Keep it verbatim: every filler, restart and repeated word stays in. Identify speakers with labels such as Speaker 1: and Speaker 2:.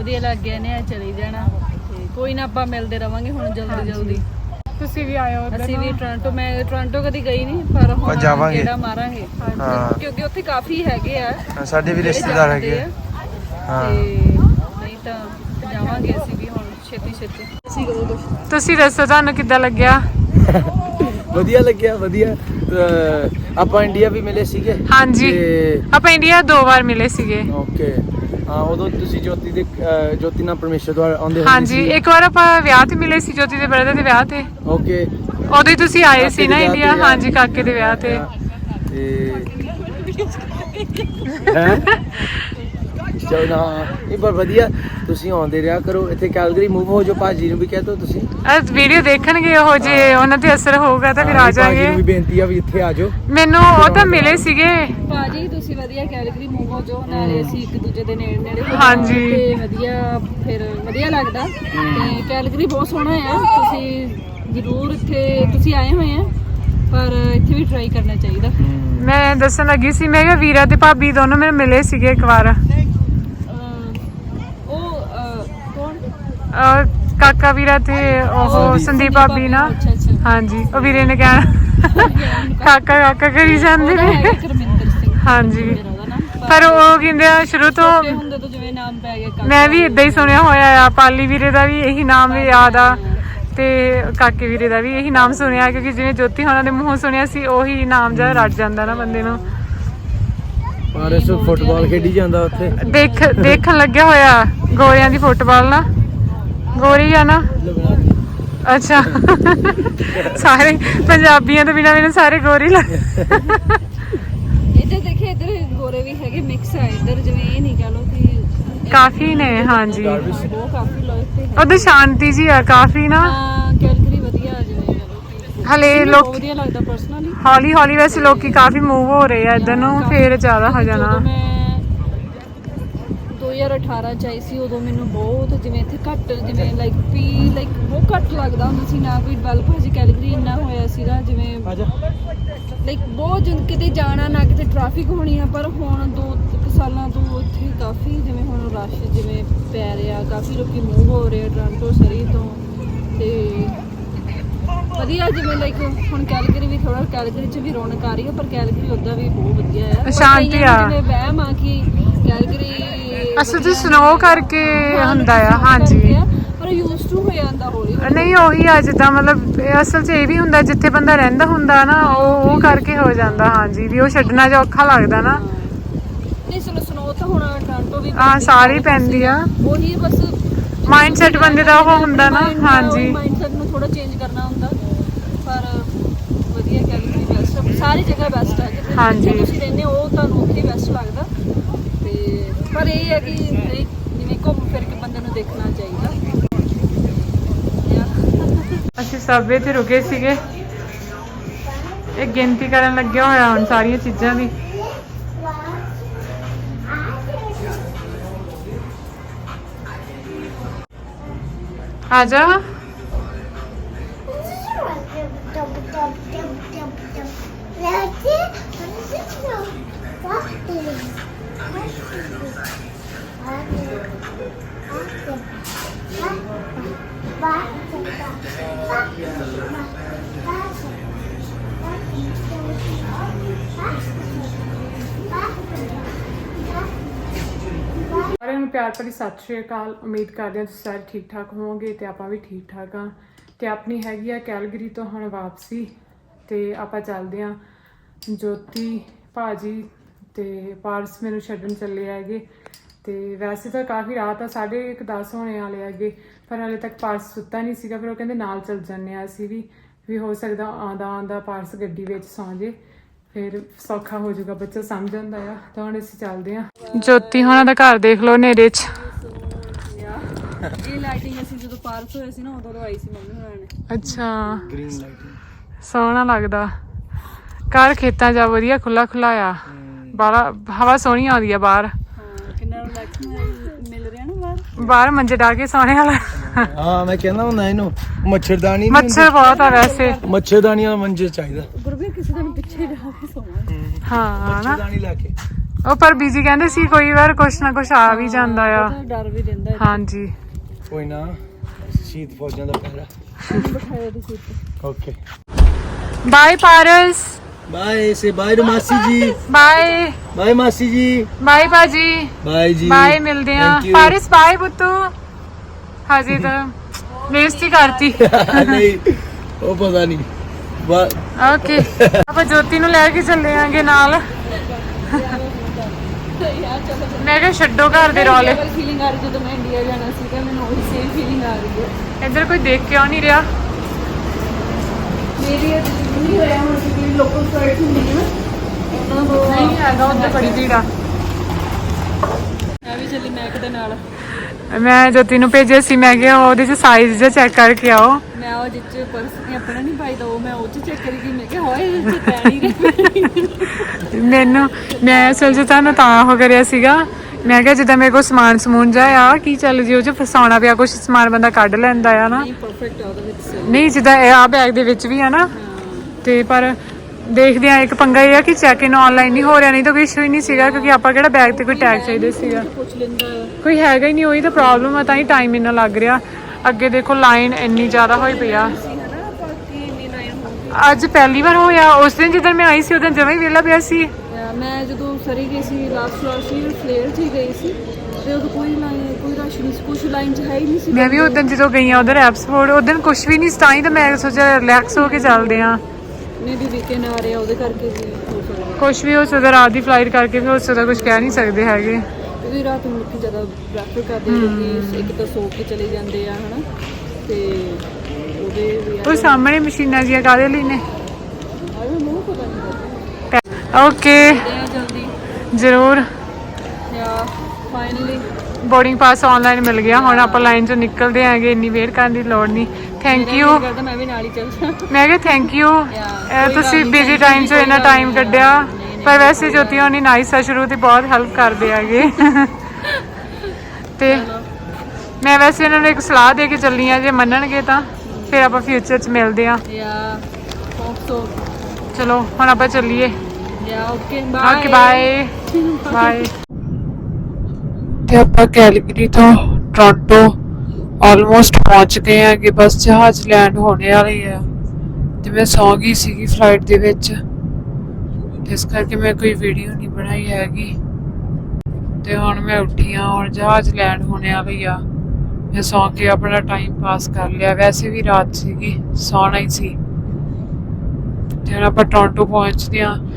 Speaker 1: ਵਧੀਆ ਲੱਗ ਗਿਆ ਨੇ ਚਲੀ ਜਾਣਾ ਤੇ ਕੋਈ ਨਾ ਆਪਾਂ ਮਿਲਦੇ ਰਵਾਂਗੇ ਹੁਣ ਜਲਦੀ ਜਲਦੀ।
Speaker 2: ਤੁਸੀਂ ਵੀ ਆਇਓ ਉੱਧਰ।
Speaker 1: ਅਸੀਂ ਵੀ ਟੋਰਾਂਟੋ, ਮੈਂ ਟੋਰਾਂਟੋ ਕਦੀ ਗਈ ਨਹੀਂ ਪਰ ਹੁਣ
Speaker 3: ਜਾਵਾਂਗੇ
Speaker 1: ਜਿਹੜਾ ਮਾਰਾਂਗੇ ਕਿਉਂਕਿ ਉੱਥੇ ਕਾਫੀ ਹੈਗੇ ਆ
Speaker 3: ਸਾਡੇ ਵੀ ਰਿਸ਼ਤੇਦਾਰ ਹੈਗੇ ਆ
Speaker 1: ਹਾਂ ਤੇ ਨਹੀਂ ਤਾਂ ਜਾਵਾਂਗੇ ਅਸੀਂ ਵੀ ਹੁਣ ਛੇਤੀ ਛੇਤੀ। ਤੁਸੀਂ ਕਦੋਂ ਕੁਝ
Speaker 2: ਤੁਸੀਂ ਦੱਸੋ ਤੁਹਾਨੂੰ ਕਿੱਦਾਂ ਲੱਗਿਆ?
Speaker 3: ਵਧੀਆ ਲੱਗਿਆ ਵਧੀਆ। ਆਪਾਂ ਇੰਡੀਆ ਵੀ ਮਿਲੇ ਸੀਗੇ।
Speaker 2: ਹਾਂਜੀ ਆਪਾਂ ਇੰਡੀਆ ਦੋ ਵਾਰ ਮਿਲੇ ਸੀਗੇ।
Speaker 3: ਓਕੇ ਹਾਂ ਉਦੋਂ ਤੁਸੀਂ ਜੋਤੀ ਦੇ ਜੋਤੀ ਨਾਲ ਪਰਮੇਸ਼ਰ ਤੋਂ ਆਉਂਦੇ
Speaker 2: ਹਾਂਜੀ ਇੱਕ ਵਾਰ ਆਪਾਂ ਵਿਆਹ ਤੇ ਮਿਲੇ ਸੀ ਜੋਤੀ ਦੇ ਬ੍ਰਦਰ ਦੇ ਵਿਆਹ ਤੇ।
Speaker 3: ਓਕੇ
Speaker 2: ਉਦੋਂ ਹੀ ਤੁਸੀਂ ਆਏ ਸੀ ਨਾ ਇੰਡੀਆ। ਹਾਂਜੀ ਕਾਕੇ ਦੇ ਵਿਆਹ ਤੇ
Speaker 3: ਹੈ ਚਲੋ ਨਾ ਇਹ ਪਰ ਵਧੀਆ ਤੁਸੀਂ ਆਉਂਦੇ ਰਿਹਾ ਕਰੋ ਇੱਥੇ ਕੈਲਗਰੀ ਮੂਵ ਹੋ ਜੋ ਭਾਜੀ ਨੂੰ ਵੀ ਕਹਿ ਦੋ ਤੁਸੀਂ
Speaker 2: ਅੱਜ ਵੀਡੀਓ ਦੇਖਣਗੇ ਉਹ ਜੇ ਉਹਨਾਂ ਤੇ ਅਸਰ ਹੋਊਗਾ ਤਾਂ ਫਿਰ ਆ ਜਾਾਂਗੇ।
Speaker 3: ਭਾਜੀ ਨੂੰ ਵੀ ਬੇਨਤੀ ਆ ਵੀ ਇੱਥੇ ਆ ਜਾਓ।
Speaker 2: ਮੈਨੂੰ ਉਹ ਤਾਂ ਮਿਲੇ ਸੀਗੇ
Speaker 1: ਭਾਜੀ ਤੁਸੀਂ ਵਧੀਆ ਕੈਲਗਰੀ ਮੂਵ ਹੋ ਜੋ ਨਾਲੇ ਅਸੀਂ ਇੱਕ ਦੂਜੇ ਦੇ ਨੇੜੇ ਨੇੜੇ
Speaker 2: ਹਾਂਜੀ
Speaker 1: ਤੇ ਵਧੀਆ ਫਿਰ ਵਧੀਆ ਲੱਗਦਾ ਤੇ ਕੈਲਗਰੀ ਬਹੁਤ ਸੋਹਣਾ ਆ। ਤੁਸੀਂ ਜ਼ਰੂਰ ਇੱਥੇ ਤੁਸੀਂ ਆਏ ਹੋਏ ਆ ਪਰ ਇੱਥੇ ਵੀ ਟਰਾਈ ਕਰਨਾ ਚਾਹੀਦਾ।
Speaker 2: ਮੈਂ ਦੱਸਣ ਲੱਗੀ ਸੀ ਮੈਂ ਕਿਹਾ ਵੀਰਾ ਤੇ ਭਾਬੀ ਦੋਨੋਂ ਮੈਨੂੰ ਮਿਲੇ ਸੀਗੇ ਇੱਕ ਵਾਰ। ਕਾਕਾ ਵੀਰਾ ਤੇ ਉਹ ਸੰਦੀਪ ਭਾਬੀ ਨਾ ਹਾਂਜੀ ਉਹ ਵੀਰੇ ਨੇ ਕਹਿਣਾ ਕਾਕਾ ਕਾਕਾ ਕਰੀ ਜਾਂਦੇ ਨੇ ਹਾਂਜੀ ਪਰ ਉਹ ਕਹਿੰਦੇ ਆ ਸ਼ੁਰੂ ਤੋਂ ਮੈਂ ਵੀ ਇਦਾਂ ਹੀ ਸੁਣਿਆ ਹੋਇਆ ਆ। ਪਾਲੀ ਵੀਰੇ ਦਾ ਵੀ ਇਹੀ ਨਾਮ ਯਾਦ ਆ ਤੇ ਕਾਕੇ ਵੀਰੇ ਦਾ ਵੀ ਇਹੀ ਨਾਮ ਸੁਣਿਆ ਕਿਉਂਕਿ ਜਿਵੇਂ ਜੋਤੀ ਹੋਣਾ ਦੇ ਮੂੰਹੋਂ ਸੁਣਿਆ ਸੀ ਉਹੀ ਨਾਮ ਜਿਹਾ ਰੱਜ ਜਾਂਦਾ ਨਾ ਬੰਦੇ ਨੂੰ।
Speaker 3: ਪਾਰਸ ਫੁੱਟਬਾਲ ਖੇਡੀ ਜਾਂਦਾ ਉੱਥੇ
Speaker 2: ਦੇਖ ਦੇਖਣ ਲੱਗਿਆ ਹੋਇਆ ਗੋਰਿਆਂ ਦੀ ਫੁੱਟਬਾਲ ਨਾ ਗੋਰੀ ਆ ਨਾ ਅੱਛਾ ਸਾਰੇ ਪੰਜਾਬੀਆਂ ਤੋਂ ਬਿਨਾਂ ਮੈਨੂੰ ਸਾਰੇ ਗੋਰੀ ਲੱਗ
Speaker 1: ਇੱਧਰ ਦੇਖੇ ਇੱਧਰ ਗੋਰੇ ਵੀ ਹੈਗੇ ਮਿਕਸ ਆ ਇੱਧਰ ਜਿਵੇਂ ਇਹ ਨਹੀਂ ਕਹ ਲੋ ਕਿ
Speaker 2: ਕਾਫੀ ਨੇ ਹਾਂਜੀ
Speaker 1: ਬਹੁਤ ਕਾਫੀ ਲੋਕ ਤੇ
Speaker 2: ਉਧਰ ਸ਼ਾਂਤੀ ਜੀ ਆ ਕਾਫੀ ਨਾ
Speaker 1: ਹਾਂ ਕੈਲਗਰੀ ਵਧੀਆ ਜਿਵੇਂ ਕਹ ਲੋ
Speaker 2: ਹਲੇ ਲੋਕ
Speaker 1: ਵਧੀਆ ਲੱਗਦਾ ਪਰਸਨਲੀ
Speaker 2: ਹੌਲੀ ਹੌਲੀ ਵੈਸੇ ਲੋਕੀ ਕਾਫੀ ਮੂਵ ਹੋ ਰਹੇ ਆ ਇੱਧਰ ਨੂੰ ਫੇਰ ਜ਼ਿਆਦਾ ਹੋ ਜਾਣਾ।
Speaker 1: ਦੋ ਹਜ਼ਾਰ ਅਠਾਰਾਂ ਚ ਆਈ ਸੀ ਉਦੋਂ ਮੈਨੂੰ ਬਹੁਤ ਜਿਵੇਂ ਇੱਥੇ ਘੱਟ ਜਿਵੇਂ ਲਾਈਕ ਪੀ ਲਾਈਕ ਬਹੁਤ ਘੱਟ ਲੱਗਦਾ ਹੁੰਦਾ ਸੀ ਨਾ ਕੋਈ ਡਿਵੈਲਪ ਹਜੇ ਕੈਲਗਰੀ ਇੰਨਾ ਹੋਇਆ ਸੀਗਾ ਜਿਵੇਂ ਲਾਈਕ ਬਹੁਤ ਜਿੰ ਕਿਤੇ ਜਾਣਾ ਨਾ ਕਿਤੇ ਟ੍ਰੈਫਿਕ ਹੋਣੀ ਆ ਪਰ ਹੁਣ ਦੋ ਕੁ ਸਾਲਾਂ ਤੋਂ ਇੱਥੇ ਕਾਫੀ ਜਿਵੇਂ ਹੁਣ ਰਸ਼ ਜਿਵੇਂ ਪੈ ਰਿਹਾ ਕਾਫੀ ਲੋਕੀ ਮੂਵ ਹੋ ਰਹੇ ਟੋਰਾਂਟੋ ਸਰੀ ਤੋਂ ਤੇ ਵਧੀਆ ਜਿਵੇਂ ਲਾਈਕ ਹੁਣ ਕੈਲਗਰੀ ਵੀ ਥੋੜਾ ਕੈਲਗਰੀ ਚ ਵੀ ਰੌਣਕ ਆ ਰਹੀ ਹੈ ਪਰ ਕੈਲਗਰੀ ਉੱਦਾਂ ਵੀ ਬਹੁਤ ਵਧੀਆ ਆ
Speaker 2: ਸ਼ਾਂਤੀ ਆ
Speaker 1: ਜਿਵੇਂ ਵਹਿਮ ਆ ਕਿ ਕੈਲਗਰੀ
Speaker 2: ਅਸਲ ਚ ਸਨੋ ਕਰਕੇ ਹੁੰਦਾ ਆ ਹਾਂਜੀ
Speaker 1: ਪਰ ਯੂਜ਼ਡ ਟੂ ਹੋ ਜਾਂਦਾ ਹੌਲੀ
Speaker 2: ਨਹੀਂ ਉਹੀ ਆ ਜਿੱਦਾਂ ਮਤਲਬ ਅਸਲ ਚ ਇਹ ਵੀ ਹੁੰਦਾ ਜਿੱਥੇ ਬੰਦਾ ਰਹਿੰਦਾ ਹੁੰਦਾ ਨਾ ਉਹ ਉਹ ਕਰਕੇ ਹੋ ਜਾਂਦਾ ਹਾਂਜੀ ਵੀ ਉਹ ਛੱਡਣਾ ਜਾਂ ਔਖਾ ਲੱਗਦਾ ਨਾ।
Speaker 1: ਨਹੀਂ ਚਲੋ ਸਨੋ ਤਾਂ ਹੁਣ ਟੋਰਾਂਟੋ ਵੀ
Speaker 2: ਹਾਂ ਸਾਰੀ ਪੈਂਦੀ ਆ
Speaker 1: ਉਹੀ ਬਸ
Speaker 2: ਮਾਈਂਡ ਸੈਟ ਬੰਦੇ ਦਾ ਉਹ ਹੁੰਦਾ ਨਾ ਹਾਂਜੀ
Speaker 1: ਮਾਈਂਡ ਸੈਟ ਨੂੰ ਥੋੜਾ ਚੇਂਜ ਕਰਨਾ ਹੁੰਦਾ ਪਰ ਵਧੀਆ ਕੈਲਗਰੀ ਬੈਸਟ ਸਾਰੀ ਜਗ੍ਹਾ ਬੈਸਟ ਹੈ ਜਿੱਥੇ ਤੁਸੀਂ ਰਹਿੰਦੇ ਹੋ ਉਹ ਤੁਹਾਨੂੰ ਉੱਥੇ ਬੈਸਟ ਲੱਗਦਾ ਤੇ ਪਰ ਇਹ ਹੈ ਕਿ ਜਿਵੇਂ ਘੁੰਮ ਫਿਰ ਕੇ ਬੰਦੇ ਨੂੰ ਦੇਖਣਾ ਚਾਹੀਦਾ।
Speaker 2: ਅਸੀਂ ਸਬਵੇ ਤੇ ਰੁਕੇ ਸੀਗੇ ਇਹ ਗਿਣਤੀ ਕਰਨ ਲੱਗਿਆ ਹੋਇਆ ਹੁਣ ਸਾਰੀਆਂ ਚੀਜ਼ਾਂ ਦੀ। ਆ ਜਾ ਸਾਰਿਆਂ ਨੂੰ ਪਿਆਰ ਭਰੀ ਸਤਿ ਸ਼੍ਰੀ ਅਕਾਲ। ਉਮੀਦ ਕਰਦੇ ਹਾਂ ਤੁਸੀਂ ਸਾਰੇ ਠੀਕ ਠਾਕ ਹੋਵੋਗੇ ਤੇ ਆਪਾਂ ਵੀ ਠੀਕ ਠਾਕ ਹਾਂ ਤੇ ਆਪਣੀ ਹੈਗੀ ਆ ਕੈਲਗਰੀ ਤੋਂ ਹੁਣ ਵਾਪਸੀ ਤੇ ਆਪਾਂ ਚੱਲਦੇ ਹਾਂ ਜੋਤੀ ਭਾਜੀ ਤੇ ਪਾਰਸ ਮੈਨੂੰ ਛੱਡਣ ਚੱਲੇ ਹੈਗੇ ਤੇ ਵੈਸੇ ਤਾਂ ਕਾਫੀ ਰਾਤ ਆ ਸਾਢੇ ਇੱਕ ਦਸ ਹੋਣੇ ਵਾਲੇ ਹੈਗੇ ਪਰ ਹਾਲੇ ਤੱਕ ਪਾਰਸ ਸੁੱਤਾ ਨਹੀਂ ਸੀਗਾ ਫਿਰ ਉਹ ਕਹਿੰਦੇ ਨਾਲ ਚੱਲ ਜਾਂਦੇ ਆ ਅਸੀਂ ਵੀ ਵੀ ਹੋ ਸਕਦਾ ਆਉਂਦਾ ਆਉਂਦਾ ਪਾਰਸ ਗੱਡੀ ਵਿੱਚ ਸੌਂ ਜੇ ਫਿਰ ਸੌਖਾ ਹੋ ਜਾਊਗਾ ਬੱਚਾ ਸਮਝ ਜਾਂਦਾ ਆ ਤਾਂ ਹੁਣ ਅਸੀਂ ਚੱਲਦੇ ਹਾਂ। ਜੋਤੀ ਹੋਣਾ ਦਾ ਘਰ ਦੇਖ ਲਓ ਹਨੇਰੇ 'ਚ
Speaker 1: ਇਹ ਲਾਈਟਿੰਗ ਅਸੀਂ ਜਦੋਂ ਪਾਰਕ ਹੋਏ ਸੀ ਨਾ ਉਦੋਂ ਆਈ ਸੀ ਮੰਮੀ ਹੋਣਾ ਨੇ।
Speaker 2: ਅੱਛਾ
Speaker 3: ਗ੍ਰੀਨ ਲਾਈਟਿੰਗ
Speaker 2: ਸੋਹਣਾ ਲੱਗਦਾ ਘਰ ਖੇਤਾਂ 'ਚ ਵਧੀਆ ਖੁੱਲਾ ਖੁੱਲਾ ਆ ਬਾਹਰ ਹਵਾ ਸੋਹਣੀ ਆਉਂਦੀ ਆ ਬਾਹਰ
Speaker 1: ਕਿੰਨਾ ਰਿਲੈਕਸ ਮਿਲ ਰਿਹਾ ਨਾ ਬਾਹਰ
Speaker 2: ਬਾਹਰ ਮੰਜੇ ਡਾ ਕੇ ਸੌਣੇ ਵਾਲਾ
Speaker 3: ਹਾਂ ਮੈਂ ਕਹਿੰਦਾ ਹੁੰਦਾ ਇਹਨੂੰ ਮੱਛਰਦਾਨੀ
Speaker 2: ਮੱਛਰ ਬਹੁਤ ਆ ਵੈਸੇ
Speaker 3: ਮੱਛਰਦਾਨੀ ਵਾਲਾ ਮੰਜੇ ਚਾਹੀਦਾ
Speaker 1: ਗੁਰਬੀਰ ਕਿਸੇ ਦਿਨ ਪਿੱਛੇ ਜਾ ਕੇ ਸੌਣਾ
Speaker 2: ਹਾਂ ਨਾ
Speaker 3: ਮੱਛਰਦਾਨੀ ਲਾ ਕੇ
Speaker 2: ਉਹ ਪਰ ਬੀਜੀ ਕਹਿੰਦੇ ਸੀ ਕੋਈ ਵਾਰ ਕੁਛ ਨਾ ਕੁਛ ਆ ਵੀ ਜਾਂਦਾ ਆ।
Speaker 1: ਉਹਦਾ ਡਰ ਵੀ ਰਹਿੰਦਾ
Speaker 2: ਹਾਂਜੀ
Speaker 3: ਕੋਈ ਨਾ ਸ਼ਹੀਦ ਫੌਜਾਂ ਦਾ ਪਹਿਰਾ।
Speaker 1: ਇਹਨੂੰ ਬਿਠਾਇਆ ਦੀ ਸੀਟ ਤੇ।
Speaker 3: ਓਕੇ
Speaker 2: ਬਾਏ ਪਾਰਸ,
Speaker 3: ਬਾਏ ਸੇ ਬਾਏ ਨੂੰ ਮਾਸੀ ਜੀ।
Speaker 2: ਬਾਏ
Speaker 3: ਬਾਏ ਮਾਸੀ ਜੀ।
Speaker 2: ਬਾਏ ਬਾਜੀ,
Speaker 3: ਬਾਏ ਜੀ।
Speaker 2: ਬਾਏ ਮਿਲਦੇ ਆ।
Speaker 3: Thank you.
Speaker 2: ਪਾਰਸ ਬਾਏ ਬੁੱਤੂ। ਹਾਜੀ ਤਾਂ ਬੇਇੱਜ਼ਤੀ ਕਰਤੀ।
Speaker 3: ਨਹੀਂ ਉਹ ਪਤਾ ਨਹੀਂ।
Speaker 2: ਓਕੇ ਆਪਾਂ ਜੋਤੀ ਨੂੰ ਲੈ ਕੇ ਚੱਲੇ ਆਂਗੇ ਨਾਲ। ਮੈਂ ਕਿਹਾ ਛੱਡੋ ਘਰ ਦੇ ਰੌਲੇ।
Speaker 1: ਫੀਲਿੰਗ ਆ ਰਹੀ ਜਦੋਂ ਮੈਂ ਇੰਡੀਆ ਜਾਣਾ ਸੀਗਾ, ਮੈਨੂੰ ਉਹੀ ਸੇਮ ਫੀਲਿੰਗ ਆ ਰਹੀ ਹੈ।
Speaker 2: ਇੱਧਰ ਕੋਈ ਦੇਖ ਕਿਉਂ ਨਹੀਂ ਰਿਹਾ?
Speaker 1: ਮੇਰੀ ਅੱਜ ਨਹੀਂ ਹੋਇਆ ਹੁਣ ਕਿ ਲੋਕਲ ਫਲਾਈਟ ਹੁੰਦੀ ਹੈ ਨਾ, ਉਹਨਾਂ ਤੋਂ
Speaker 2: ਨਹੀਂ ਹੈਗਾ, ਉੱਧਰ ਬੜੀ ਭੀੜ ਆ।
Speaker 1: ਮੈਂ ਵੀ ਚੱਲੀ ਮੈਕ ਦੇ ਨਾਲ।
Speaker 2: ਮੈਂ ਜੋਤੀ ਨੂੰ ਭੇਜਿਆ ਸੀ, ਮੈਂ ਕਿਹਾ ਉਹਦੇ ਚ ਸਾਈਜ਼ ਜਿਹਾ ਚੈੱਕ ਕਰਕੇ ਆਓ।
Speaker 1: ਮੈਂ ਉਹ ਜਿੱਚ ਪਰਸ ਨਹੀਂ ਆਪਣਾ ਨਹੀਂ ਪਾਈਦਾ, ਉਹ ਮੈਂ ਉਹ ਚ ਚੈੱਕ ਕਰੀ ਗਈ। ਮੈਂ ਕਿਹਾ ਹੋਏ ਇਹਦੇ ਚ ਪੈ ਨਹੀਂ ਰਹੇ।
Speaker 2: ਮੈਨੂੰ ਮੈਂ ਅਸਲ 'ਚ ਤੁਹਾਨੂੰ ਤਾਂ ਉਹ ਕਰਿਆ ਸੀਗਾ, ਮੈਂ ਕਿਹਾ ਜਿੱਦਾਂ ਮੇਰੇ ਕੋਲ ਸਮਾਨ ਸਮੂਨ ਜਾ ਆ ਕੀ ਚੱਲ ਜੀ ਉਹ 'ਚ ਫਸਾਉਣਾ ਪਿਆ, ਕੁਛ ਸਮਾਨ ਬੰਦਾ ਕੱਢ ਲੈਂਦਾ ਆ ਨਾ।
Speaker 1: ਨਹੀਂ ਪਰਫੈਕਟ ਆ ਉਹਦੇ ਵਿੱਚ।
Speaker 2: ਨਹੀਂ ਜਿੱਦਾਂ ਇਹ ਆ ਬੈਗ ਦੇ ਵਿੱਚ ਵੀ ਆ ਨਾ, ਤੇ ਪਰ ਦੇਖਦੇ ਆ ਇੱਕ ਪੰਗਾ ਇਹ ਆ ਕਿ ਚੈੱਕ ਇਨ ਆਨਲਾਈਨ ਨਹੀਂ ਹੋ ਰਿਹਾ, ਨਹੀਂ ਤਾਂ ਕੋਈ ਇਸ਼ੂ ਹੀ ਨਹੀਂ ਸੀਗਾ ਕਿਉਂਕਿ ਆਪਾਂ ਕਿਹੜਾ ਬੈਗ ਤੇ ਕੋਈ ਟੈਗ ਚਾਹੀਦਾ ਸੀਗਾ।
Speaker 1: ਪੁੱਛ ਲੈਂਦਾ
Speaker 2: ਕੋਈ ਹੈਗਾ ਹੀ ਨਹੀਂ, ਉਹੀ ਤਾਂ ਪ੍ਰੋਬਲਮ ਆ, ਤਾਂ ਹੀ ਟਾਈਮ ਇੰਨਾ ਲੱਗ ਰਿਹਾ। ਅੱਗੇ ਦੇਖੋ ਲਾਈਨ ਇੰਨੀ ਜ਼ਿਆਦਾ ਹੋਈ ਪਈ ਆ।
Speaker 1: ਸੀ ਹਨਾ, ਬਾਕੀ ਇੰਨੀ ਲਾਈਨ ਹੋ ਗਈ।
Speaker 2: ਅੱਜ ਪਹਿਲੀ ਵਾਰ ਹੋਇਆ, ਉਸ ਦਿਨ ਜਦੋਂ ਮੈਂ ਆਈ ਸੀ ਉਦੋਂ ਜਮਾਂ ਹੀ ਵਿਹਲਾ ਪਿਆ ਸੀ।
Speaker 1: ਮੈਂ ਜਦੋਂ ਸਰੀ ਗਈ ਸੀ ਲਾਸਟ ਲਾਸਟ ਸੀ ਫਲੇਅਰ 'ਚ ਹੀ ਗਈ ਸੀ, ਤੇ ਉਦੋਂ ਕੋਈ ਲਾਈਨ ਕੋਈ ਰਸ਼ ਨਹੀਂ ਸੀ, ਕੁਛ ਲਾਈਨ 'ਚ ਹੈ ਹੀ ਨਹੀਂ ਸੀ।
Speaker 2: ਮੈਂ ਵੀ ਉਦੋਂ ਜਦੋਂ ਗਈ ਆ ਉਧਰ ਐਪਸਫੋਰਡ, ਉਦੋਂ ਕੁਛ ਵੀ ਨਹੀਂ ਸੀ, ਤਾਂ ਹੀ ਤਾਂ ਮੈਂ ਸੋਚਿਆ ਰਿਲੈਕਸ ਹੋ ਕੇ ਚੱਲਦੇ ਆ।
Speaker 1: ਨਹੀਂ ਵੀ ਵੀਕਐਂਡ ਆ ਰਿਹਾ ਉਹਦੇ ਕਰਕੇ ਵੀ ਹੋ ਸਕਦਾ,
Speaker 2: ਕੁਛ ਵੀ ਹੋ ਸਕਦਾ, ਰਾਤ ਦੀ ਫਲਾਈਟ ਕਰਕੇ ਵੀ ਹੋ ਸਕਦਾ, ਕੁਛ ਕਹਿ ਨਹੀਂ ਸਕਦੇ ਹੈਗੇ।
Speaker 1: ਕਿਉਂਕਿ ਰਾਤ ਨੂੰ ਲੋਕੀ ਜ਼ਿਆਦਾ ਪ੍ਰੈਫਰ ਕਰਦੇ ਆ, ਕਿਉਂਕਿ ਇੱਕ ਤਾਂ ਸੋ ਕੇ ਚਲੇ ਜਾਂਦੇ ਆ ਹਨਾ, ਤੇ ਉਹਦੇ ਵੀ
Speaker 2: ਉਹ ਸਾਹਮਣੇ ਮਸ਼ੀਨਾਂ ਜੀਆਂ ਕਾਹਦੇ ਲਈ ਨੇ?
Speaker 1: ਆ ਮੈਨੂੰ ਪਤਾ ਨਹੀਂ।
Speaker 2: ਓਕੇ
Speaker 1: ਆ ਜਲਦੀ
Speaker 2: ਜ਼ਰੂਰ।
Speaker 1: Yeah finally
Speaker 2: boarding pass online ਮਿਲ ਗਿਆ, ਹੁਣ ਆਪਾਂ ਲਾਈਨ ਚੋਂ ਨਿਕਲਦੇ ਆਂਗੇ, ਇੰਨੀ ਵੇਟ ਕਰਨ ਦੀ ਲੋੜ ਨਹੀਂ। Thank you.
Speaker 1: ਕਰਦਾ ਮੈਂ ਵੀ ਨਾਲ ਹੀ ਚੱਲ ਜਾ।
Speaker 2: ਮੈਂ ਕਿਹਾ ਥੈਂਕ ਯੂ, ਤੁਸੀਂ ਬਿਜ਼ੀ ਟਾਈਮ 'ਚ ਇੰਨਾ ਟਾਈਮ ਕੱਢਿਆ। ਪਰ ਵੈਸੇ ਜੋਤੀ ਹੋਣੀ ਨਾਈਸ ਆ, ਸ਼ੁਰੂ ਤੋਂ ਬਹੁਤ ਹੈਲਪ ਕਰਦੇ ਹੈਗੇ। ਤੇ ਮੈਂ ਵੈਸੇ ਇਹਨਾਂ ਨੂੰ ਇੱਕ ਸਲਾਹ ਦੇ ਕੇ ਚੱਲੀ ਆ, ਜੇ ਮੰਨਣਗੇ ਤਾਂ ਫਿਰ ਆਪਾਂ ਫਿਊਚਰ 'ਚ ਮਿਲਦੇ ਆ।
Speaker 1: ਯਾ ਹੋਪ ਸੋ।
Speaker 2: ਚਲੋ ਹੁਣ ਆਪਾਂ ਚੱਲੀਏ।
Speaker 1: Yeah okay bye.
Speaker 2: Okay bye bye. ਤੇ ਆਪਾਂ ਕੈਲਗਰੀ ਤੋਂ ਟੋਰਾਂਟੋ ਆਲਮੋਸਟ ਪਹੁੰਚ ਗਏ ਆ ਕਿ ਬਸ ਜਹਾਜ਼ ਲੈਂਡ ਹੋਣੇ ਵਾਲੀ ਆ, ਤੇ ਮੈਂ ਸੌਂ ਗਈ ਸੀਗੀ ਫਲਾਈਟ ਦੇ ਵਿੱਚ, ਇਸ ਕਰਕੇ ਮੈਂ ਕੋਈ ਵੀਡੀਓ ਨਹੀਂ ਬਣਾਈ ਹੈਗੀ। ਤੇ ਹੁਣ ਮੈਂ ਉੱਠੀ ਆ, ਹੁਣ ਜਹਾਜ਼ ਲੈਂਡ ਹੋਣੇ ਵਾਲੀ ਆ। ਮੈਂ ਸੌਂ ਕੇ ਆਪਣਾ ਟਾਈਮ ਪਾਸ ਕਰ ਲਿਆ, ਵੈਸੇ ਵੀ ਰਾਤ ਸੀਗੀ, ਸੌਣਾ ਹੀ ਸੀ। ਤੇ ਹੁਣ ਆਪਾਂ ਟੋਰਾਂਟੋ ਪਹੁੰਚਦੇ ਆ।